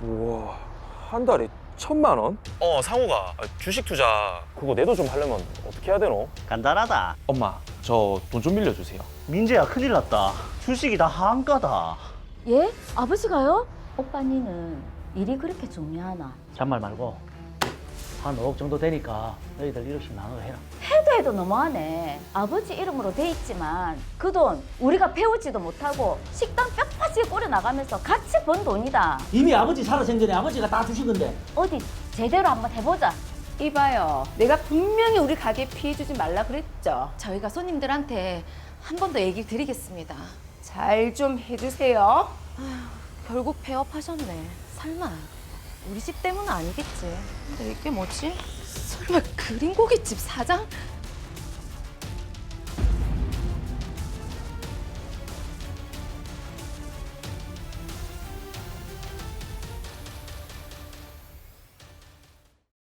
우와, 한 달에 1,000만 원? 상호가 주식 투자 그거 내도 좀 하려면 어떻게 해야 되노? 간단하다. 엄마, 저 돈 좀 빌려주세요. 민재야, 큰일 났다. 주식이 다 한가다. 예? 아버지가요? 오빠 니는 일이 그렇게 중요하나? 잔말 말고 한 5억 정도 되니까 너희들 1억씩 나눠 해라. 해도 너무하네. 아버지 이름으로 돼 있지만 그 돈 우리가 배우지도 못하고 식당 뼈 빠지게 꾸려 나가면서 같이 번 돈이다. 이미 아버지 살아생전에 아버지가 다 주신 건데. 어디 제대로 한번 해보자. 이봐요. 내가 분명히 우리 가게 피해주지 말라 그랬죠. 저희가 손님들한테 한 번 더 얘기 드리겠습니다. 잘 좀 해주세요. 아휴, 결국 폐업하셨네. 설마 우리 집 때문은 아니겠지. 근데 이게 뭐지? 설마 그린고깃집 사장?